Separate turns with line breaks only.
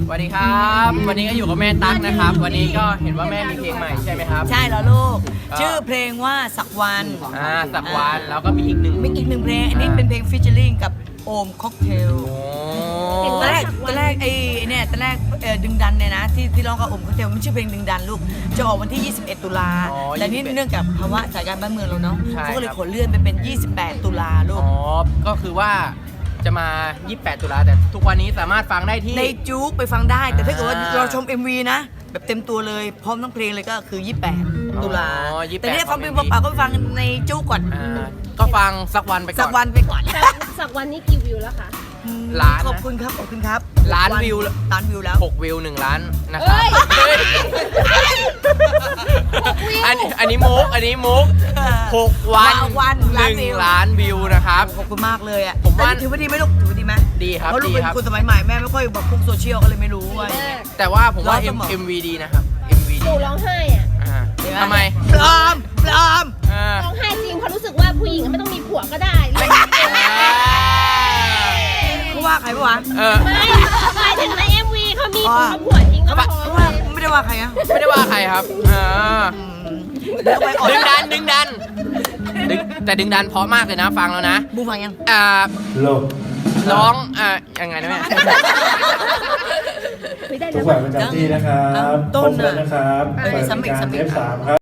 สวัสดีครับวันนี้ก็อยู่กับแม่ตั๊กนะครับวันนี้ก็เห็นว่าแม่มีเพลงใหม่ใช่ไหมครับ
ใช่แล้วลูกชื่อเพลงว่าสักวัน
สักวันแล้วก็มีอีกหนึ่ง
เพลงอันนี้เป็นเพลงฟิชเชอร์ลิงกับโอมค็อกเทลตอนแรกตอนแรกดึงดันเนี่ยนะที่ร้องกับโอมค็อกเทลมันชื่อเพลงดึงดันลูกจะออกวันที่ 21 ตุลาแต่นี่เนื่องจากภาวะสถานการณ์บ้านเมืองเราเนาะเขาก็เลยขอเลื่อนไปเป็น 28 ตุลาลูก
ก็คือว่าจะมา 28 ตุลาแต่ทุกวันนี้สามารถฟังได้ที่
ในจุ๊กไปฟังได้แต่ถ้าเกิดว่าเราชม MV นะแบบเต็มตัวเลยพร้อมทั้งเพลงเลยก็คือ 28 ตุลาแต่เนี่ยฟังเพลงเปล่าๆก็ไปฟังในจุ๊กก่อน
ก็ฟังสักวันไปก่อน
สักวัน
สักวันนี้กี่วิวแล้วคะ
ล้าน
ขอบคุณครับ
ล้านวิว
แล้ว
6 วิว1 ล้านนะครับอันนี้มุก6 วัน1 ล้านวิวนะครับ
ขอบคุณมากเลยอ่ะ
ผมว่า
ถือว่าดีไหมลูกถือว่าดีไหม
ดีครับ
เพราะลูกเป็นคนสมัยใหม่แม่ไม่ค่อยแบบพวกโซเชียลก็เลยไม่รู้ว่า
แต่ว่าผมว่า MV ดีนะครับ MV ดี
หนูร้องไห้อ่ะ
ทำไม
ปลอม
ร้องไห้จริงเพราะรู้สึกว่าผู้หญิงไม่ต้องมีผัวก็ได้
เขาว่าใครปะวะ
ไม่หมายถึงใน MV เขามีผัวจริงก็พอ
ไม่ได้ว่าใครอ่ะ
ไม่ได้ว่าใครครับดึงดันแต่ดึงดันเพราะมากเลยนะฟังแล้วนะ
บูฟังยัง
ร้องยังไงนะแม่
ทุกฝ่ายประจำที่นะครับ
ต้น
นะครับ
เปิดการ
F3 ครับ